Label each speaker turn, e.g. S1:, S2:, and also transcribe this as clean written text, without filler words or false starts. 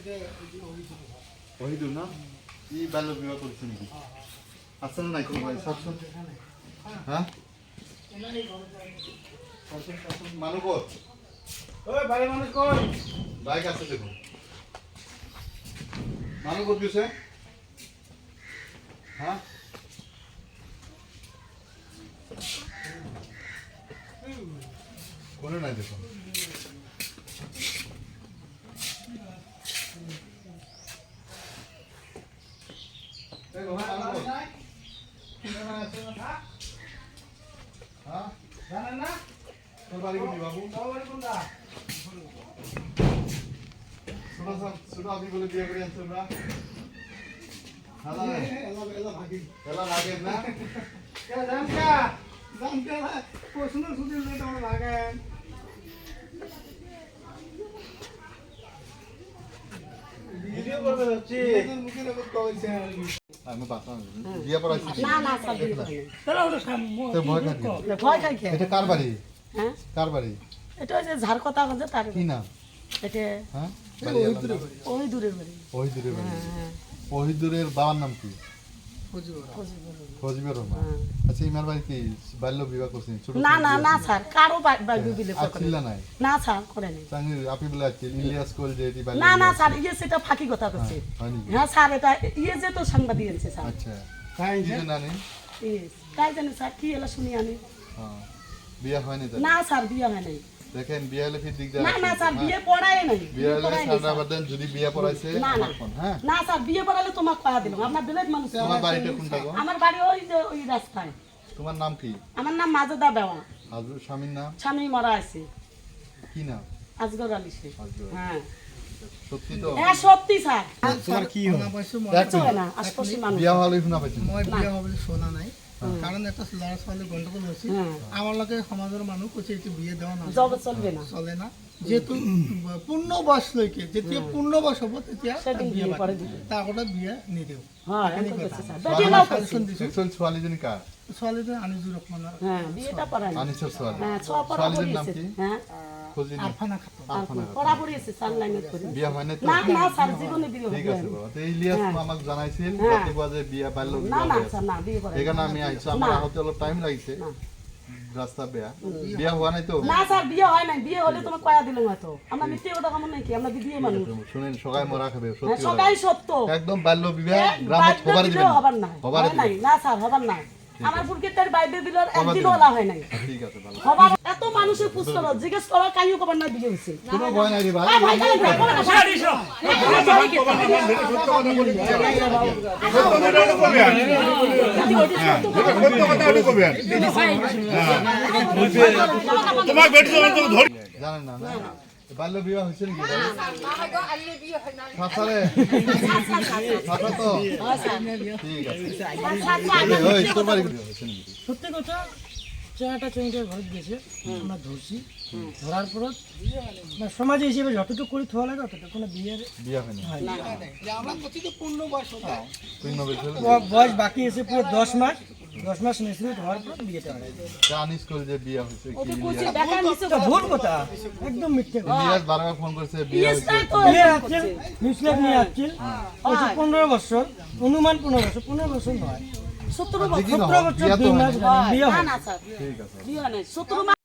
S1: ওহিদুল না ই বাল্য বিবাহ করছে নাকি আসলে নাই কোনো ভাই সবসময় হ্যাঁ মানুষ ওই বাড়ি মানুষ কই বাইক আছে দেখুন মানুষ কত দিছে হ্যাঁ কোনে নাই দেখুন আপনি বলে বিয়ে করে আনছেন না বিয়ে পড়াইছি
S2: ভয় খাই
S1: এটা কার বাড়ি কার বাড়ি
S2: এটা যে ঝাড় কথা আছে তার
S1: কি নাম
S2: এটা
S1: হ্যাঁ
S2: ওই দূরের বাড়ি
S1: ওহিদুরের বাড়ি ওহিদুরের বাবার নাম কি ফজিবুর রহমান আচ্ছা ইমার বাড়ি কি বাল্য বিবাহ করছেন ছোট
S2: না না না স্যার কারো বাল্য বিবাহ করে
S1: আছিলা নাই
S2: না স্যার করে নাই
S1: চাঙ্গি আপনি বলে আছেন ইলিয়াস কোল যে এটি বাল্য
S2: না না স্যার ইয়ে সেটা ফাঁকি কথা করছে হ্যাঁ স্যার এটা ইয়ে যে তো সাংবাদিক আছে স্যার
S1: আচ্ছা কাই যে নানি
S2: তাই জানি স্যার কি এলা শুনি আমি
S1: হ্যাঁ বিয়ে হয়নি তো
S2: না স্যার বিয়ে হয় নাই
S1: দেখেন বিয়ে হলে ফির দিক
S2: না না স্যার বিয়ে পড়ায় নাই
S1: বিয়ে হলে সারা বাদেন যদি বিয়ে পড়াইছে
S2: না না
S1: হ্যাঁ
S2: না স্যার বিয়ে পড়ালে তোমাকে পাওয়া দিলাম আপনার বিলেত মানুষ
S1: তোমার বাড়িটা কোনটা গো
S2: আমার বাড়ি ওই যে ওই রাস্তায়
S1: তোমার নাম কি
S2: আমার নাম মাজেদা বেওয়া
S1: হাজুর স্বামীর নাম
S2: স্বামী মরা আছে
S1: কি নাম
S2: আজগর আলী শেখ
S1: আজগর।
S2: হ্যাঁ
S1: সত্যি তো
S2: হ্যাঁ সত্যি স্যার
S1: তোমার কি
S2: কিছু হয় না আশপাশি মানুষ
S1: বিয়ে হলে শোনা পাইছেন
S3: মই বিয়া হবলৈ শোনা নাই কাৰণ এটা ল'ৰা ছোৱালী গণ্ডগোল হৈছিল আমাৰ লগে সমাজৰ মানুহ কৈছে এইটো বিয়ে দেওয়া না
S2: জব চলবে না
S3: চলে না যেহেতু পূৰ্ণ বয়সলৈকে যেতিয়া পূৰ্ণ বয়স হ'ব তেতিয়া
S2: সেদিন
S3: বিয়ে
S2: বিয়ে করে দিবে
S3: তাৰ আগতে বিয়ে নিদিওঁ
S2: হ্যাঁ এমন করছে স্যার বেটি নাও করছে
S1: একচুয়াল ছোৱালীজনী কাৰ
S3: ছোৱালীজনী আনিজুৰ ৰহমানৰ
S2: হ্যাঁ বিয়েটা পড়ায় না
S1: আনিসের ছোৱালী
S2: হ্যাঁ ছোয়া পড়া
S1: ছোৱালীজনীৰ নাম
S2: পড়িয়েছে
S1: কি
S2: হ্যাঁ
S1: ফজিল
S3: আৰফানা খাতুন
S2: পড়া পড়িয়েছে স্যার লাইনে করে
S1: বিয়া হয় না তো
S2: না না স্যার জীবনে বিয়ে
S1: ঠিক
S2: হবে
S1: আছে বাবা তো ইলিয়াস আমাক জানাইছিল রাতিপুৱা যে বিয়া বাল্য
S2: না
S1: বিবাহ
S2: না
S1: হৈ আছে।
S2: স্যার না বিয়ে করে
S1: সেইকাৰণে আমি আহিছো আমাৰ আহোতে অলপ টাইম লাগিছে
S2: না।
S1: রাস্তা বেয়া বিয়া হোৱা নাই তো
S2: না স্যার বিয়ে হয় নাই বিয়ে হলে তোমাকে কয়া দিলাম হয়তো আমরা মিথ্যে কথা কেমন নাকি আমরা বিয়ে মানুষ
S1: শুনেন সগাই মরা খাবে
S2: হ্যাঁ,
S1: সত্যি কথা।
S2: সবাই সত্য
S1: একদম বাল্য বিবাহ গ্রামত হবার দিবেন
S2: হবার না
S1: হবার
S2: হয় নাই না স্যার হবার না আমার বুড়কে তার বাইবে দিল একদিন ওলা হয় নাই
S1: ঠিক আছে ভালো
S2: হবার এত মানুষের পুস্তক জিজ্ঞেস করা কাইও কবার না বিয়ে হইছে
S1: কোনো ভয় নাই রে ভাই
S2: ভাই ভাই
S1: জানেন না না বাল্য বিবাহ হয়েছে নাকি সাঁতারে সাঁতার তো ঠিক আছে ওই তোর বাড়ি হয়েছে নাকি
S4: সত্যি কথা চেহারাটা চেহারা ঘরে গেছে আমরা ধরছি ধরার পর সমাজ হিসেবে যতটুকু করে থোয়া লাগে অতটুকু কোনো বিয়ের
S1: বিয়া হয়নি
S3: আমরা প্রতিটো পূর্ণ বয়স হবে
S1: পূর্ণ বয়স
S4: বয়স বাকি আছে পুরো 10 মাস মেসিউরিট হওয়ার পর বিয়েটা হয়
S1: জানিস কল যে বিয়া হয়েছে কি
S4: এটা ভুল কথা একদম মিথ্যে কথা
S1: ইলিয়াস বারবার ফোন করছে বিয়া হয়েছে
S4: বিয়ে আছে নিউজিল্যান্ড নিয়ে আসছিল 15 বছর অনুমান 15 বছর নয়
S2: 17
S1: দেখি না,
S4: বছর 2 মাস বিয়ে
S2: না
S4: হয়
S2: না স্যার
S1: ঠিক আছে
S2: বিয়ে হয় নাই 17